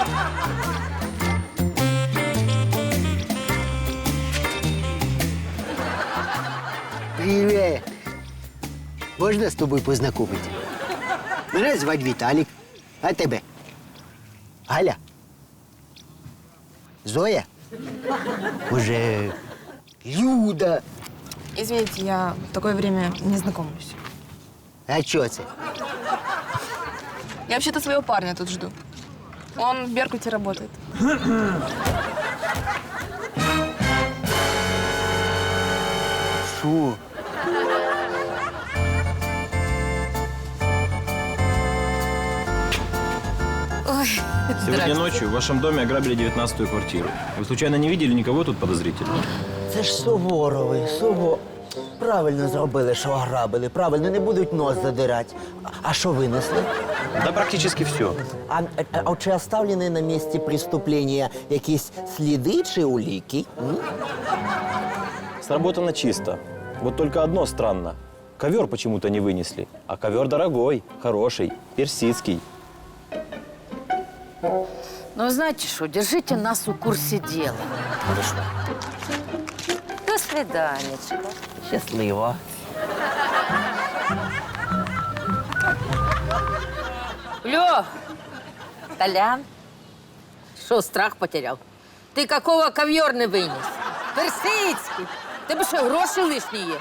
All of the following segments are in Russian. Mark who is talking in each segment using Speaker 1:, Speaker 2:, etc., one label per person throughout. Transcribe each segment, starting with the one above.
Speaker 1: Привет. Можна з тобою познайомитися? Мене звати Віталік. А тебе? Галя? Зоя? Може, Люда?
Speaker 2: Извините, я в такое время не знакомлюсь.
Speaker 1: А чого це?
Speaker 2: Я вообще-то своего парня тут жду. Он в Беркуте работает.
Speaker 1: Що?
Speaker 3: Сегодня ночью в вашем доме ограбили 19-ю квартиру. Вы случайно не видели никого тут подозрительного?
Speaker 4: Це ж Суворовий, Правильно зробили, що ограбили. Правильно, не будуть нос задирати. А що винесли?
Speaker 3: Да практически все.
Speaker 4: А чи оставлені на місці преступлення якісь сліди чи уліки?
Speaker 3: Сработано чисто. Вот только одно странно. Ковер почему-то не вынесли. А ковер дорогой, хороший, персидский.
Speaker 5: Ну, знаете что, держите нас в курсе дела. До свиданечка.
Speaker 4: Щасливо.
Speaker 5: Лё, Толян, что, страх потерял? Ты какого ковер не вынес? Персидский. Тебе что, гроши лишние?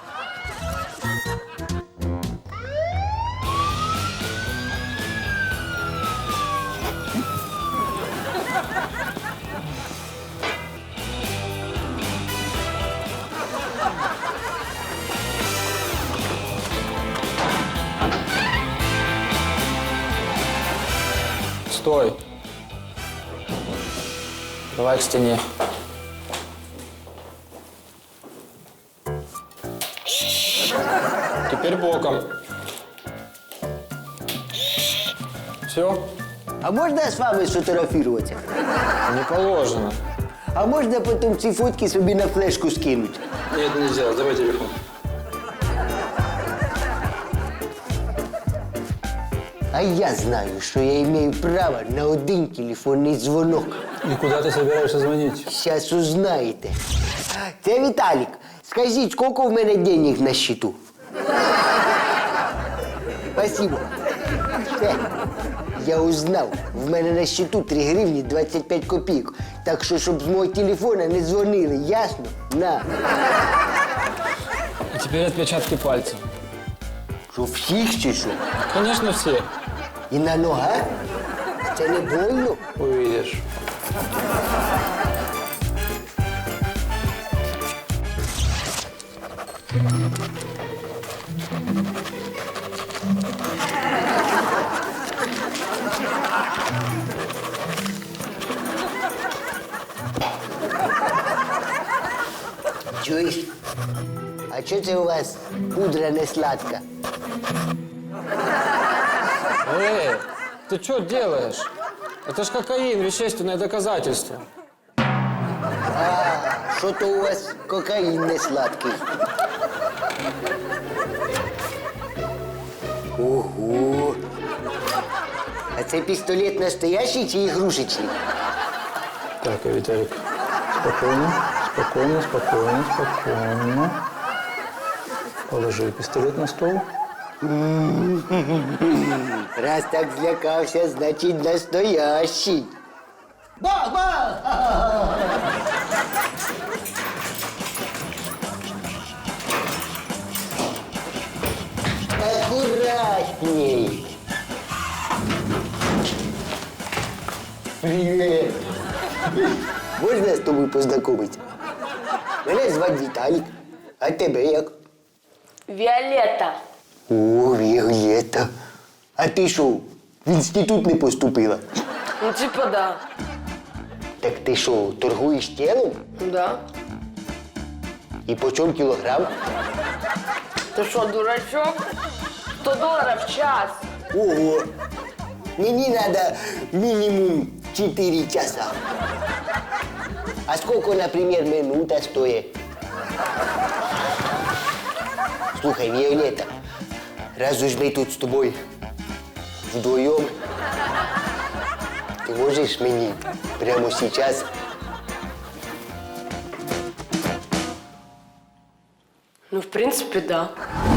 Speaker 6: Стой. Давай к стене. Теперь боком. Все?
Speaker 1: А можна з вами сфотографуватися?
Speaker 6: Не положено.
Speaker 1: А можна потім ці фотки собі на флешку скинути?
Speaker 6: Нет, нельзя. Давай телефон.
Speaker 1: А я знаю, що я маю право на один телефонний дзвонок.
Speaker 6: И куда ты собираешься звонить?
Speaker 1: Зараз узнаєте. Це Віталік. Скажіть, скільки в мене денег на счету? Спасибо. Все. Я узнав. В мене на счету 3 гривні 25 копійок. Так що, щоб з мого телефона не дзвонили, ясно? На.
Speaker 6: А теперь отпечатки пальцев.
Speaker 1: Що, всіх чи що?
Speaker 6: Конечно, все.
Speaker 1: І на ногах? Це не больно?
Speaker 6: Увидишь.
Speaker 1: Чуєш? А чого це у вас пудра не сладка?
Speaker 6: Эй, ты что делаешь? Это ж кокаин, вещественное доказательство.
Speaker 1: Що то у вас кокаїн не сладкий? Ого! А це пістолет настоящий чи ігрушечний?
Speaker 6: Так, Виталик, спокойно, спокойно, спокойно, спокойно. Положи пистолет на стол.
Speaker 1: Раз так злякався, значить настоящий. Бах-бах! Аккуратней. Привет. Можна з тобою познайомитися? Мене звати Віталік. А тебе як?
Speaker 7: Віолетта.
Speaker 1: О, Віолетта. А ти що, в інститут не поступила?
Speaker 7: Ну, типа, да.
Speaker 1: Так ти що, торгуєш тілом?
Speaker 7: Да.
Speaker 1: І по чому кілограм?
Speaker 7: Ты что, дурачок? $100 в час.
Speaker 1: Ого! Мені надо мінімум 4 часа. А сколько, например, минута стоит? Слухай, Виолетта, раз уж мы тут с тобой вдвоем, Ти можеш мені прямо зараз?
Speaker 7: Ну, в принципе, да.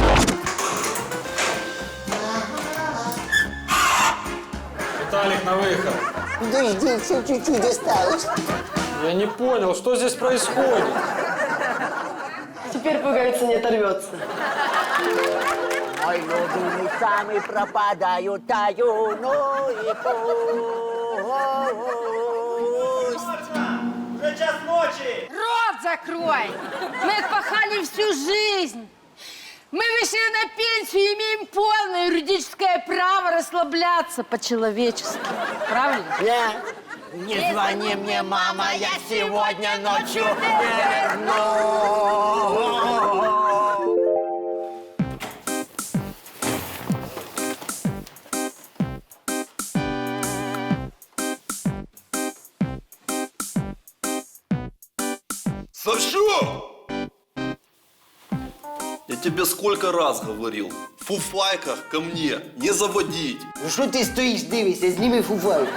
Speaker 6: Виталик, на выход.
Speaker 1: Подожди, все чуть-чуть осталось.
Speaker 6: Я не понял, что здесь происходит?
Speaker 7: Теперь пуговица не оторвется.
Speaker 4: Ой, люди сами пропадают, таю, ну и пусть.
Speaker 5: Рот закрой! Мы отпахали всю жизнь. Мы вышли на пенсию и имеем полное юридическое право расслабляться по-человечески. Правильно?
Speaker 4: Не звони мне, мама, я сегодня ночью не вернусь.
Speaker 8: Савчук! Я тебе сколько раз говорил, в фуфайках ко мне не заводить.
Speaker 1: Ну що ти стоїш, дивишся, зніми фуфайку.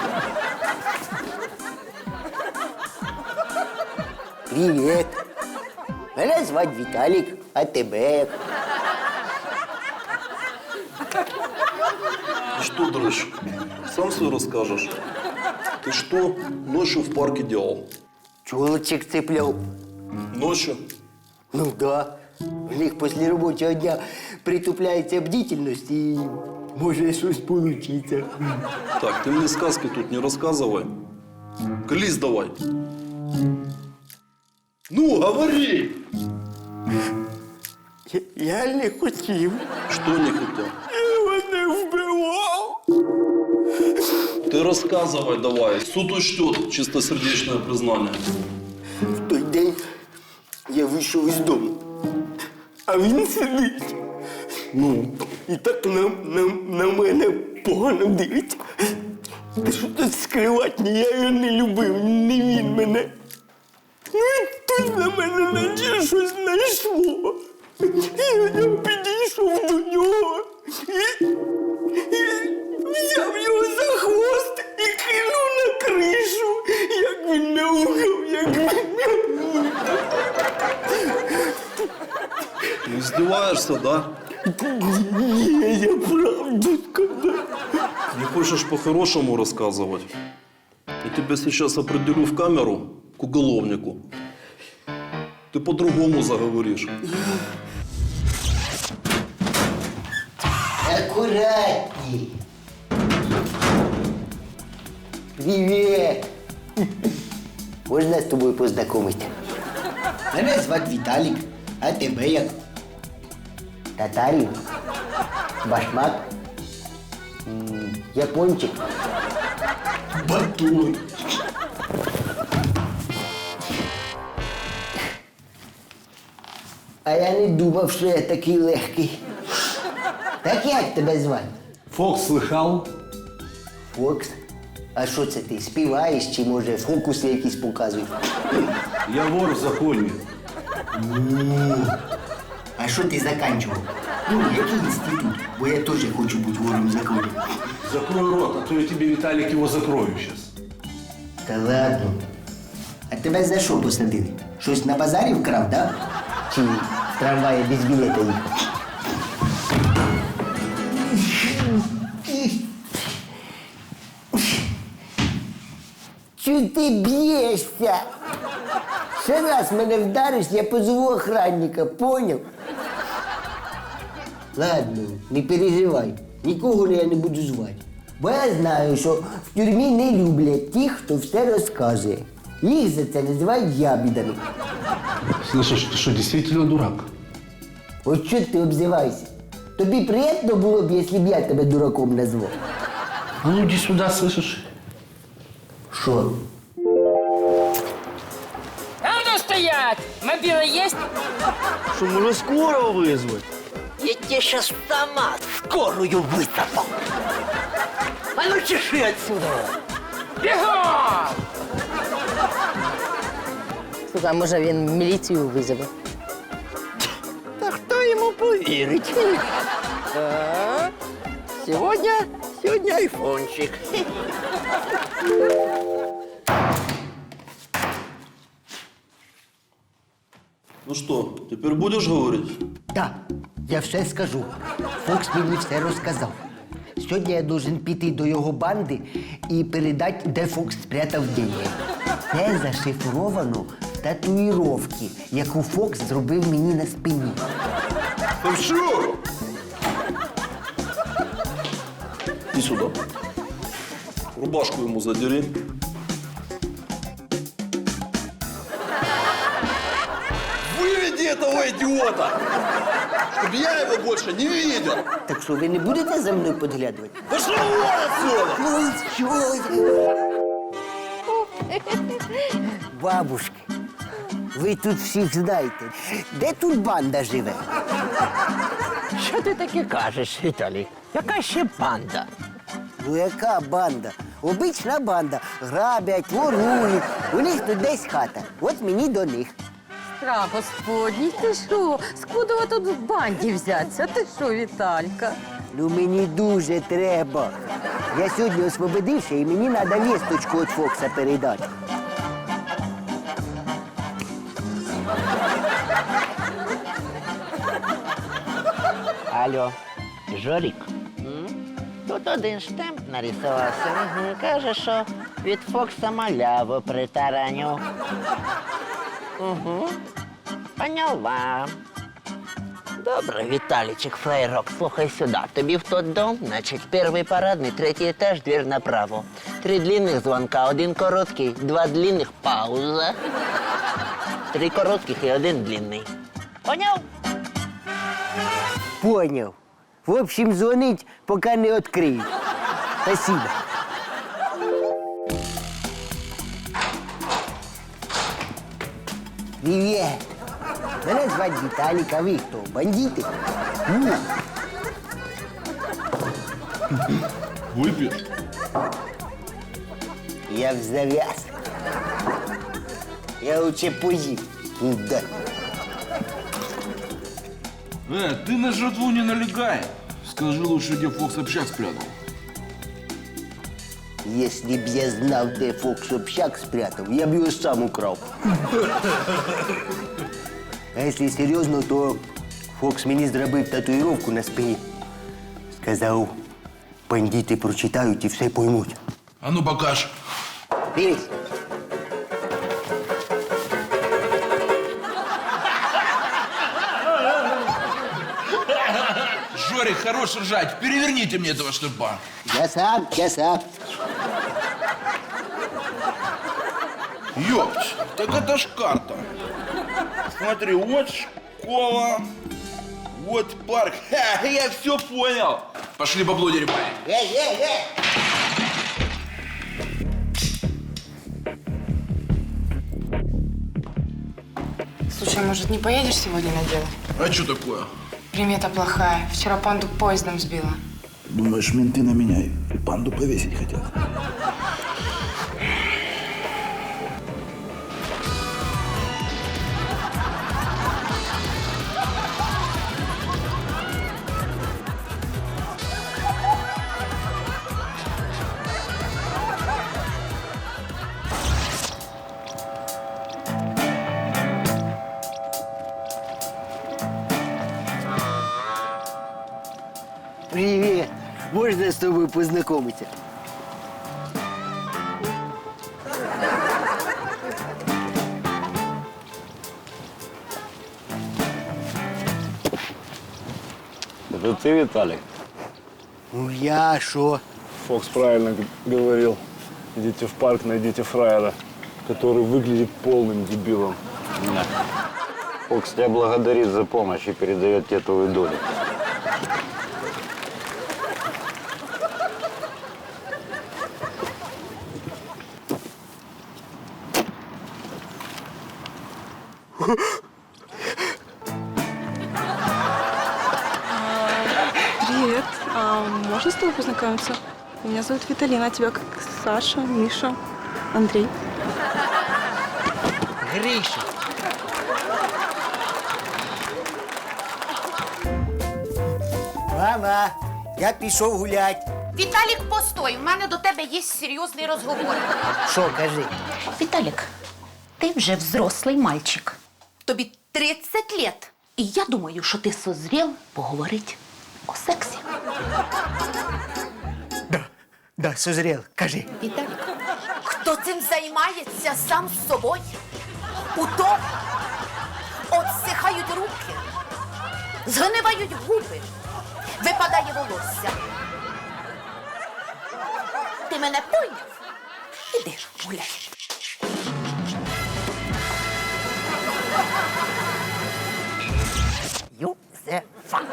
Speaker 1: Привіт. Мене звати Віталік, а тебе як?
Speaker 8: Ты что, дрыщ, сам все расскажешь? Ты что ночью в парке делал?
Speaker 1: Чолочек цепляв.
Speaker 8: Ночью?
Speaker 1: Ну да. У них після робочого дня притупляється бдительність і може щось получиться.
Speaker 8: Так, ты мне сказки тут не рассказывай. Колись давай. Ну, говори!
Speaker 1: Я не хотів.
Speaker 8: Что не хотел?
Speaker 1: Я мене вбивав.
Speaker 8: Ты рассказывай давай. Суд учтет чистосердечное признание.
Speaker 1: В той день я вийшов із дому, а він сидить. Ну, і так на мене погано дивиться. Та що тут скривати, ні, я його не любив, не він мене. Ну і тут на мене наче щось знайшло. Я підійшов до нього і взяв його за хвост і кинув на кришу. Як він мяукав, як він мяукав.
Speaker 8: Ты издеваешься, да?
Speaker 1: Ні, я правду сказав.
Speaker 8: Не хочешь по-хорошему рассказывать? Я тебя сейчас определю в камеру к уголовнику. Ты по-другому заговоришь.
Speaker 1: Аккуратней. Привет. Можна з тобою познайомитися? Мене звати Віталік, а тебе як? Татарин? Башмак? Япончик? Батон? А я не думав, що я такий легкий. Так як тебе звати?
Speaker 9: Фокс слыхал?
Speaker 1: Фокс? А що це ти, співаєш чи, може, фокуси якісь показуєш?
Speaker 9: Я вор в законе.
Speaker 1: А що ти заканчував? Ну, який інститут? Бо я теж хочу бути вором в законі.
Speaker 9: Закрой рот, а то я тебе, Виталик, его закрою сейчас.
Speaker 1: Та ладно. А тебе за що посадили? Щось на базарі вкрав, да? Чи в трамваї без білета їхав? Чого ти б'єшся? Ще раз мене вдариш, я позову охранника, поняв? Ладно, не переживай, нікого я не буду звати. Бо я знаю, що в тюрмі не люблять тих, хто все розказує. Їх за це називають ябідами.
Speaker 9: Слышишь, ты что, действительно дурак?
Speaker 1: От що ти обзиваєшся? Тобі приємно було б, якщо б я тебе дураком назвав?
Speaker 9: А ну иди сюда, слышишь?
Speaker 1: Що?
Speaker 5: А ну стоять! Мобила есть?
Speaker 4: Что, можно скорого вызвать? Я тебе сейчас автомат скорую высыпал. А ну чеши отсюда.
Speaker 5: Бегом! Слухай, а може він міліцію визове?
Speaker 4: Да кто ему поверит? Сегодня айфончик.
Speaker 8: Ну что, теперь будешь говорить?
Speaker 4: Так, я все скажу. Фокс мені все розказав. Сьогодні я должен піти до його банди і передати, де Фокс спрятав деньги. Це зашифровано в татуїровці, яку Фокс зробив мені на спині.
Speaker 8: Да все! Иди сюда. Рубашку ему задери. Выведи этого идиота! Чтобы я его больше не видел!
Speaker 4: Так що, ви не будете за мною підглядувати?
Speaker 8: Пошел вон отсюда!
Speaker 4: Ну, що? Бабушки, ви тут всіх знаєте. Де тут банда живе?
Speaker 10: Що ти таке кажеш, Віталій? Яка ще банда?
Speaker 4: Ну яка банда? Обична банда. Грабять, ворують. У них тут десь хата. От мені до них.
Speaker 5: Страх Господній, ти що? Скудова тут в банді взяться? Ти що, Віталька?
Speaker 4: Ну мені дуже треба. Я сьогодні освободився і мені треба вісточку від Фокса передати.
Speaker 10: Алло, Жорік? Тут один штемп нарисувався. Каже, що від Фокса маляву притараню. Поняла. Добре, Віталічик, флейрок, слухай сюди. Тобі в тот дом, значить, перший парадний, третій етаж, двір направо. 3 длинних звонка, 1 короткий, 2 длинних, пауза. 3 коротких і 1 длинний. Поняв?
Speaker 4: Поняв. В общем, дзвонить, поки не відкриють. Спасибо. Привіт. Мене звати Віталік, а ви хто? Бандити?
Speaker 8: Выпьешь?
Speaker 4: Я в зав'яз. Я лучше поїм. Да.
Speaker 9: Ты на жертву не налегай. Скажи лучше, где Фокс общак спрятал.
Speaker 4: Если б я знав, де Фокс общак спрятав, я б його сам украв. А якщо серйозно, то Фокс мені зробив татуїровку на спині. Сказав, бандити прочитають і все поймуть.
Speaker 9: А ну покаж.
Speaker 4: Дивись.
Speaker 9: Жорик, хорош ржать. Переверните мне этого штырпа.
Speaker 4: Я сам, я сам.
Speaker 9: Ёпть, так это ж карта. Смотри, вот школа, вот парк. Ха, я все понял. Пошли бабло деревать.
Speaker 2: Слушай, может, не поедешь сегодня на дело?
Speaker 9: А что такое?
Speaker 2: Примета плохая. Вчера панду поездом сбила.
Speaker 9: Думаешь, менты на меня и панду повесить хотят?
Speaker 4: Привіт. Можна з тобою познайомитися?
Speaker 3: Это ты, Виталик?
Speaker 4: Ну я що?
Speaker 11: Фокс правильно говорил. Идите в парк, найдите фраера, который выглядит полным дебилом.
Speaker 3: Фокс тебя благодарит за помощь и передает тебе твою долю.
Speaker 2: Привет. Можно с тобой познакомиться? Меня зовут Виталина, а тебя как Саша, Миша, Андрей.
Speaker 4: Гриша. Мама, я пішов гулять.
Speaker 12: Віталік, постой, у мене до тебе є серйозний розговор.
Speaker 4: Що, кажи?
Speaker 12: Віталік, ти вже взрослий мальчик. Тобі 30 лет. І я думаю, що ти созрів поговорити о сексі.
Speaker 4: Да, созрел, кажи.
Speaker 12: Віталік, хто цим займається сам з собою? У тому отсихають руки, згнивають губи, випадає волосся. Ти мене поняв? Іди гуляй.
Speaker 10: Юзефа.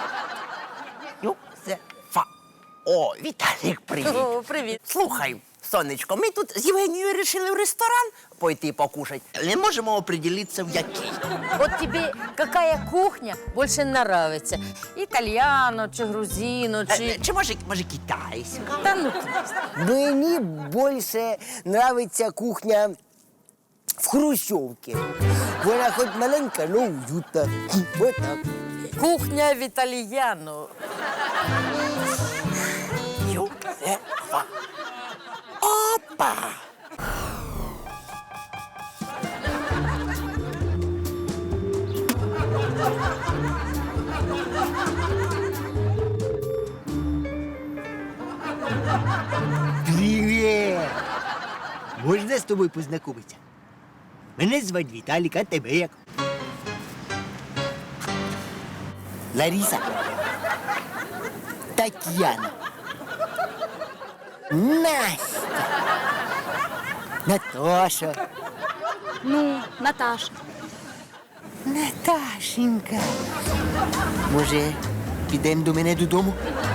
Speaker 10: Юзефа. О, Віталік, привіт.
Speaker 5: О, привіт.
Speaker 10: Слухай, сонечко, ми тут з Євгенією вирішили в ресторан пойти покушати. Не можемо определитися, в який.
Speaker 5: Вот тебе какая кухня больше нравится? Итальяно, чи грузино, чи...
Speaker 10: Чи може китайська?
Speaker 5: Да ну ты.
Speaker 4: Мені більше нравиться кухня в Хрущовці. Вона хоч маленька, але уютна. Вот так.
Speaker 5: Кухня в итальяно.
Speaker 10: Юзефа. Опа!
Speaker 4: Привіт! Можна з тобою познайомитися? Мене звати Віталік, а тебе як? Лариса. Тетяна. Настя. Наташа.
Speaker 2: Ну, Наташа.
Speaker 4: Наташенька. Може, підемо до мене додому?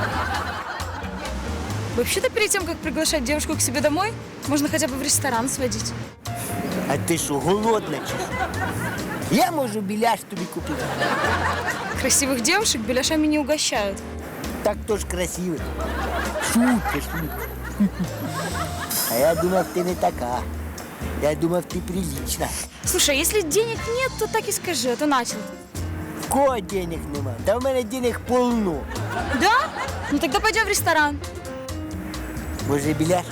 Speaker 2: Вообще-то перед тем, как приглашать девушку к себе домой, можно хотя бы в ресторан сводить.
Speaker 4: А ти що, голодна чи що? Я можу біляш тобі купити.
Speaker 2: Красивых девушек беляшами не угощают.
Speaker 4: Так то ж красивий. Шутка. А я думав, ти не така. Я думав, ти прилична.
Speaker 2: Слушай, а если денег нет, то так и скажи, а то начал.
Speaker 4: В кого денег нема? Та в мене денег полно.
Speaker 2: Да? Ну тогда пойдем в ресторан.
Speaker 4: Може, біляш?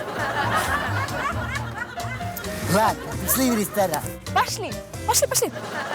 Speaker 4: Ладно, пішли в ресторан.
Speaker 2: Пошли, пошли, пошли.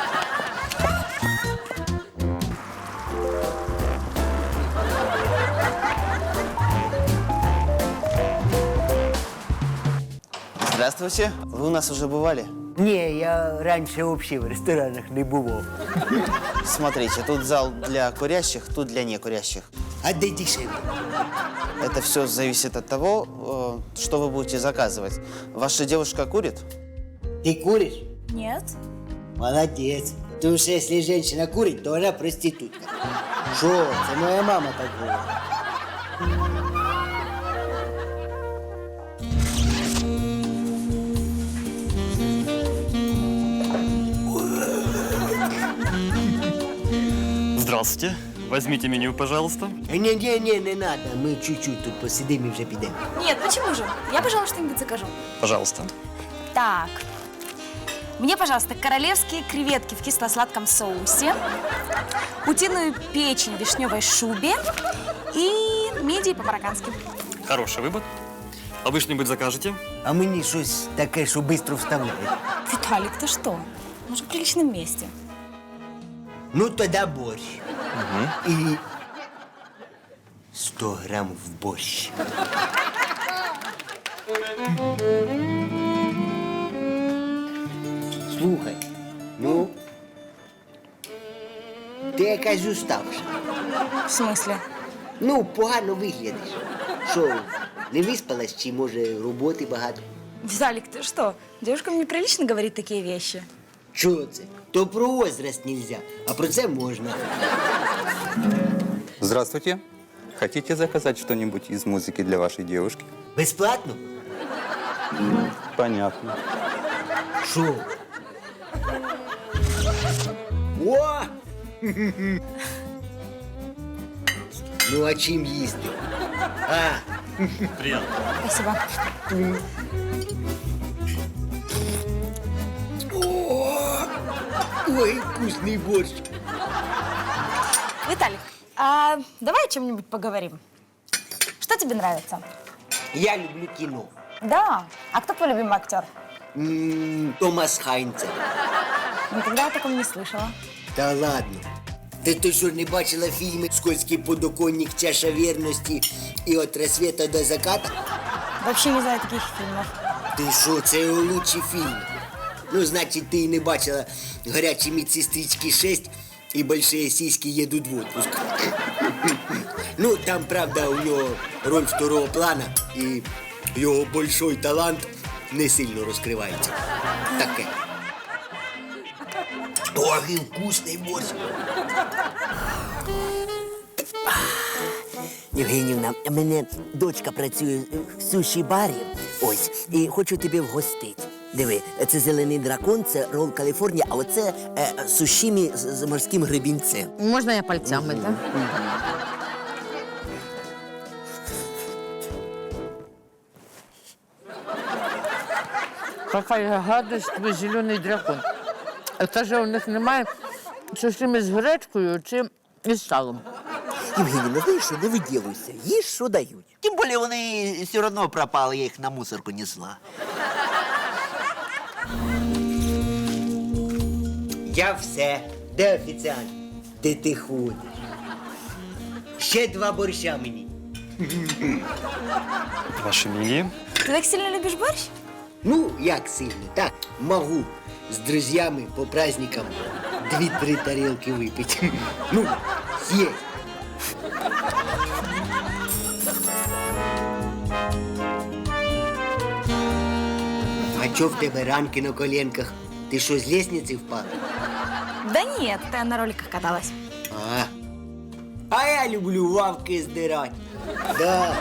Speaker 13: Здравствуйте. Вы у нас уже бывали?
Speaker 4: Ні, я раніше взагалі в ресторанах не бував.
Speaker 13: Смотрите, тут зал для курящих, тут для некурящих.
Speaker 4: А де дешевле?
Speaker 13: Это все зависит от того, что вы будете заказывать. Ваша девушка курит?
Speaker 4: Ти куриш?
Speaker 2: Нет.
Speaker 4: Молодець. Тому що якщо жінка курить, то вона проститутка. Що? Це моя мама так говорить.
Speaker 14: Здравствуйте. Возьмите меню, пожалуйста.
Speaker 4: Не, не надо. Ми чуть-чуть тут посидимо і вже підемо.
Speaker 2: Нет, почему же? Я, пожалуй, что-нибудь закажу.
Speaker 14: Пожалуйста.
Speaker 2: Так. Мне, пожалуйста, королевские креветки в кисло-сладком соусе, утиную печень в вишневой шубе и мидии по-мароккански.
Speaker 14: Хороший выбор. А вы что-нибудь закажете?
Speaker 4: А мені щось таке, що швидко вставляє.
Speaker 2: Виталик, ты что? Мы же в приличном месте.
Speaker 4: Ну, тоді борщ. І 100 грам в борщ. Слухай, ну, ти якась уставша.
Speaker 2: В смысле?
Speaker 4: Ну, погано виглядиш. Що, не виспалась, чи, може, роботи багато?
Speaker 2: Виталик, ты что? Девушкам неприлично говорить такие вещи.
Speaker 4: Чого це? То про возраст нельзя, а про це можна.
Speaker 15: Здравствуйте. Хотите заказать что-нибудь из музыки для вашей девушки?
Speaker 4: Безплатно?
Speaker 15: Понятно.
Speaker 4: Що? О! Ну, а чим їсти? А!
Speaker 14: Приятно.
Speaker 2: Спасибо.
Speaker 4: Ой, вкусный борщ.
Speaker 2: Виталик, а давай о чем-нибудь поговорим. Что тебе нравится?
Speaker 4: Я люблю кино.
Speaker 2: Да. А кто твой любимый актер?
Speaker 4: Томас Хайнцер.
Speaker 12: Никогда я о таком не слышала.
Speaker 4: Та ладно. Ти що, не бачила фільми «Скользкий подоконник», «Чаша вірності» і «От рассвета до заката»?
Speaker 12: Вообще не знаю таких фильмов.
Speaker 4: Ти що, це його лучший фільм. Ну, значить, ти і не бачила «Гарячі медсестрички 6» і «Большие сиськи едут в отпуск». Ну, там, правда, у нього роль второго плана, і його большой талант не сильно розкривається. Таке. Ох, і вкусний борщ.
Speaker 10: Євгенівна, у мене дочка працює в суші-барі, ось, і хочу тебе вгостити. Диви, це зелений дракон, це рол Каліфорнія, а оце сушімі з морським гребінцем.
Speaker 5: Можна я пальцями, так? Какая гадость, твій зелений дракон. Це ж у них немає сушими з гречкою чи із салом.
Speaker 10: Євгенівна, знаєш що, не виділуйся, їж, що дають. Тим більше вони все одно пропали, я їх на мусорку несла.
Speaker 4: Я все. Де офіціант? Де ти ходиш? Ще 2 борща мені.
Speaker 14: Ваше мнение?
Speaker 12: Ты так сильно любишь борщ?
Speaker 4: Ну, як сильно, так, можу з друзями по праздникам 2-3 тарілки випити. Ну, є. А чо в тебе ранки на коленках? Ти що, з лестниці впала?
Speaker 12: Да нет, я на роликах каталась.
Speaker 4: А я люблю лавки здирати. Да.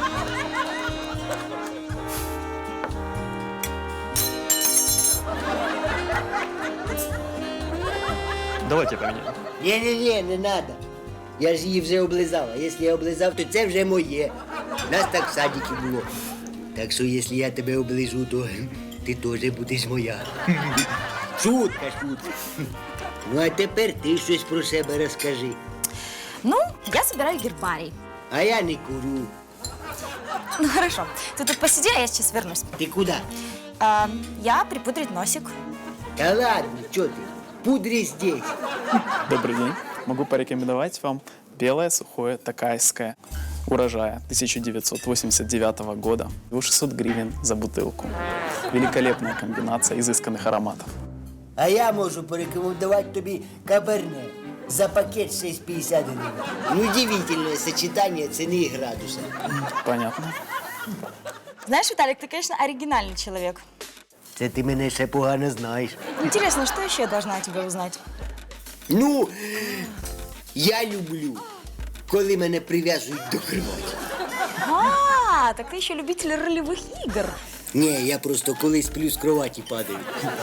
Speaker 14: Давайте поменяем.
Speaker 4: Ні, не надо. Я ж її вже облизав. А якщо я облизав, то це вже моє. Нас так в садіки було. Так що, якщо я тебе оближу, то ти теж будеш моя. Шутка. Ну, а тепер ти щось про себе розкажи.
Speaker 12: Ну, я собираю гербарий.
Speaker 4: А я не курю.
Speaker 12: Ну, хорошо. Ты тут посиди, а я сейчас вернусь.
Speaker 4: Ты куда?
Speaker 12: Я припудрить носик.
Speaker 4: Да ладно, что ты? Пудри здесь.
Speaker 16: Добрый день. Могу порекомендовать вам белое сухое такайское урожая 1989 года. 600 гривен за бутылку. Великолепная комбинация изысканных ароматов.
Speaker 4: А я можу порекомендувати тобі каберне за пакет 6,50 гривень. Ну, удивительное сочетание цены и градуса.
Speaker 16: Понятно.
Speaker 12: Знаешь, Виталик, ты, конечно, оригинальный человек.
Speaker 4: Це ти мене ще погано знаєш.
Speaker 12: Интересно, что еще я должна о тебе узнать?
Speaker 4: Ну, я люблю, коли мене прив'язують до кроваті.
Speaker 12: А, так ты еще любитель ролевых игр.
Speaker 4: Ні, я просто коли сплю з кроваті падаю.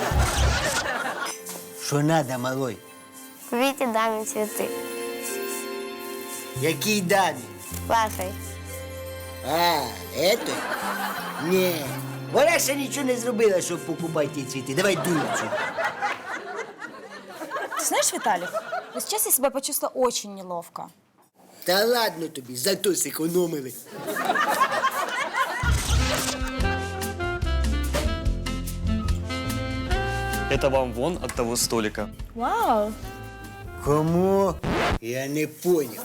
Speaker 4: Що надо, малой?
Speaker 17: Купите даме цветы.
Speaker 4: Якій дамі?
Speaker 17: Вашей.
Speaker 4: А, это? Ні. Вона ще нічого не зробила, щоб покупати ті цвіти. Давай дурцю.
Speaker 12: Ты знаешь, Виталик, вот сейчас я себя почувствовала очень неловко.
Speaker 4: Та ладно тобі, зато зекономили.
Speaker 14: Это вам вон от того столика.
Speaker 12: Вау.
Speaker 4: Кому? Я не понял.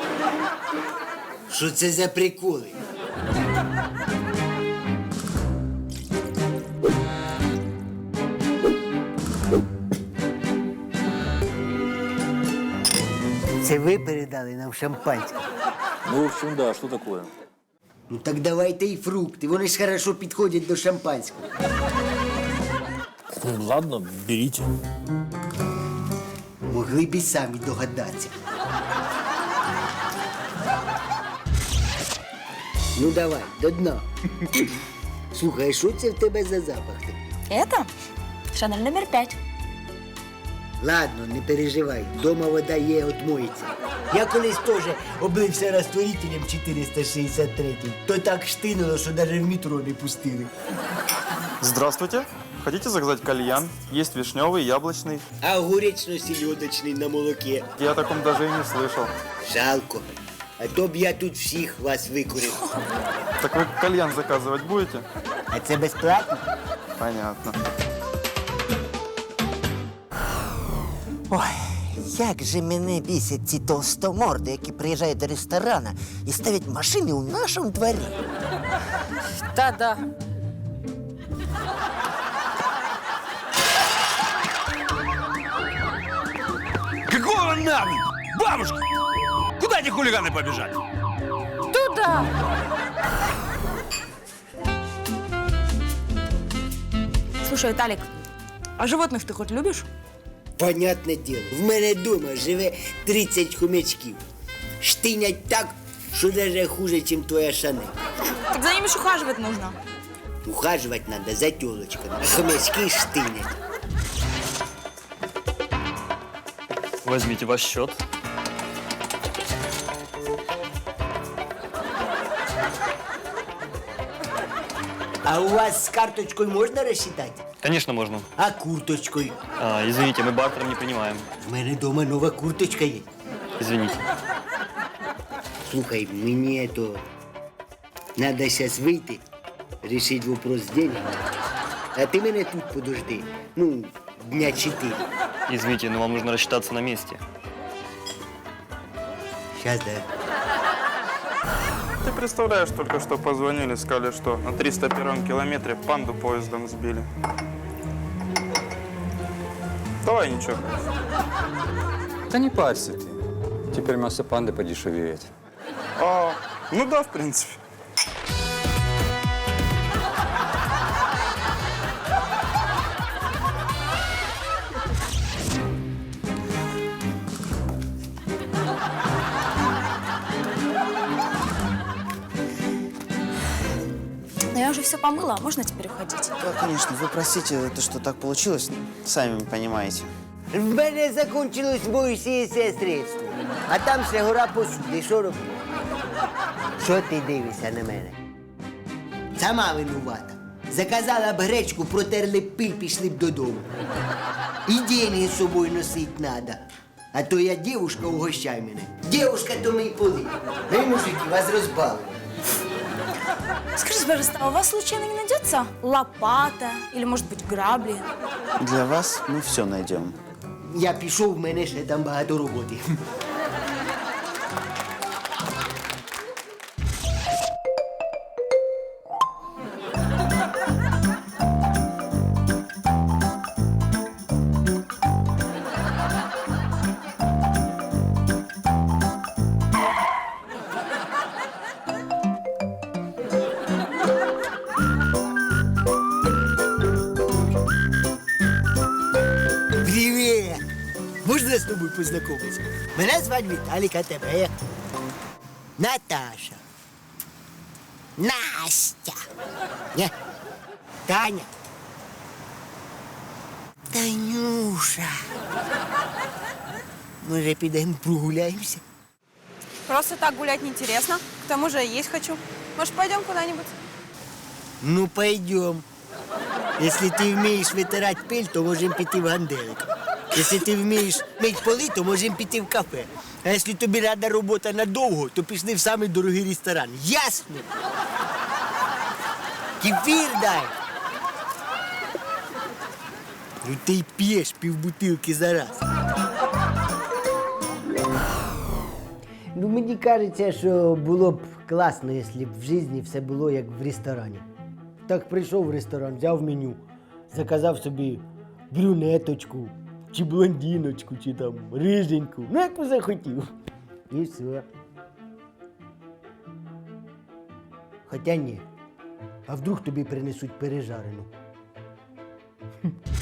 Speaker 4: Що це за приколи? Це ви передали нам шампанське?
Speaker 11: Ну, в общем, да, что такое?
Speaker 4: Ну так давайте і фрукти, вони ж хорошо підходять до шампанського.
Speaker 11: Ладно, берите.
Speaker 4: Могли б і самі догадатися. Ну давай, до дна. Слухай, що це в тебе за запах?
Speaker 12: Это Шанель номер 5.
Speaker 4: Ладно, не переживай, дома вода є, отмоється. Я колись теж облився розтворителем 463, то так штинуло, що навіть в метро не пустили.
Speaker 18: Здравствуйте. Хотите заказать кальян? Есть вишневый, яблочный.
Speaker 4: А огуречно-селедочний на молоке?
Speaker 18: Я о таком даже и не слышал.
Speaker 4: Жалко. А то б я тут всіх вас викурив.
Speaker 18: Так вы кальян заказывать будете?
Speaker 4: А це безплатно?
Speaker 18: Понятно.
Speaker 10: Ой, як же мене бісять ці толстоморди, які приїжджають до ресторана і ставлять машини у нашому дворі.
Speaker 5: Да-да.
Speaker 19: Какого нахуй? Бабушка! Куда эти хулиганы побежали?
Speaker 5: Туда!
Speaker 2: Слушай, Виталик, а животных ты хоть любишь?
Speaker 4: Понятне діло, в мене вдома живе 30 хомячків. Штинять так, що навіть хуже, ніж твоя Шанель.
Speaker 2: Так за ними ж ухаживать нужно.
Speaker 4: Ухаживать надо за тілочками, а хомячки штинять.
Speaker 14: Возьмите ваш счет.
Speaker 4: А у вас з карточкою можна розчитати?
Speaker 14: Конечно, можно.
Speaker 4: А курточкою?
Speaker 14: Извините, мы бартером не принимаем.
Speaker 4: В мене вдома нова курточка є.
Speaker 14: Извините.
Speaker 4: Слухай, мені то надо зараз вийти, рішити вопрос з деньгами. А ти мене тут подожди. Ну, дня 4.
Speaker 14: Извините, но вам нужно рассчитаться на месте.
Speaker 4: Сейчас, да.
Speaker 18: Ты представляешь, только что позвонили, сказали, что на 301 километре панду поездом сбили. Давай ничего.
Speaker 15: Да не парься ты. Теперь мясо панды подешевеет.
Speaker 18: Ну да, в принципе.
Speaker 2: Но я уже все помыла, можно теперь уходить?
Speaker 13: Да, конечно, вы простите, то, что так получилось, сами понимаете.
Speaker 4: В мене закінчилось моє средство. А там ще гора посуди. Що робити? Що ти дивишся на мене? Сама винувата. Заказала б гречку, протерли б пиль, пішли б додому. І деньги з собою носить надо. А то я дівушка, угощай мене. Дівушка, то мій поли. Ви, мужики, вас розбавили.
Speaker 2: Скажите, пожалуйста, а у вас случайно не найдется лопата или, может быть, грабли?
Speaker 13: Для вас мы все найдем.
Speaker 4: Я пішов, в мене ще там багато роботи. Привіт! Можна з тобою познайомитися? Мене звати Віталік, а тебе як? Наташа. Настя. Ні. Таня. Танюша. Може, підемо прогуляємося?
Speaker 2: Просто так гулять неинтересно. К тому же есть хочу. Может, пойдем куда-нибудь?
Speaker 4: Ну, пойдем. Если ты вмієш витирати пиль, то можемо піти в ганделик. Якщо ти вмієш мити поли, то можемо піти в кафе. А якщо тобі рада робота надовго, то пішли в самий дорогий ресторан. Ясно? Кефір дай. Ну ти й п'єш півбутилки за раз. Ну, мені кажеться, що було б класно, якщо б в житті все було як в ресторані. Так прийшов в ресторан, взяв меню, заказав собі брюнеточку, чи блондиночку, чи там риженьку. Ну, як би захотів. І все. Хоча ні. А вдруг тобі принесуть пережарену?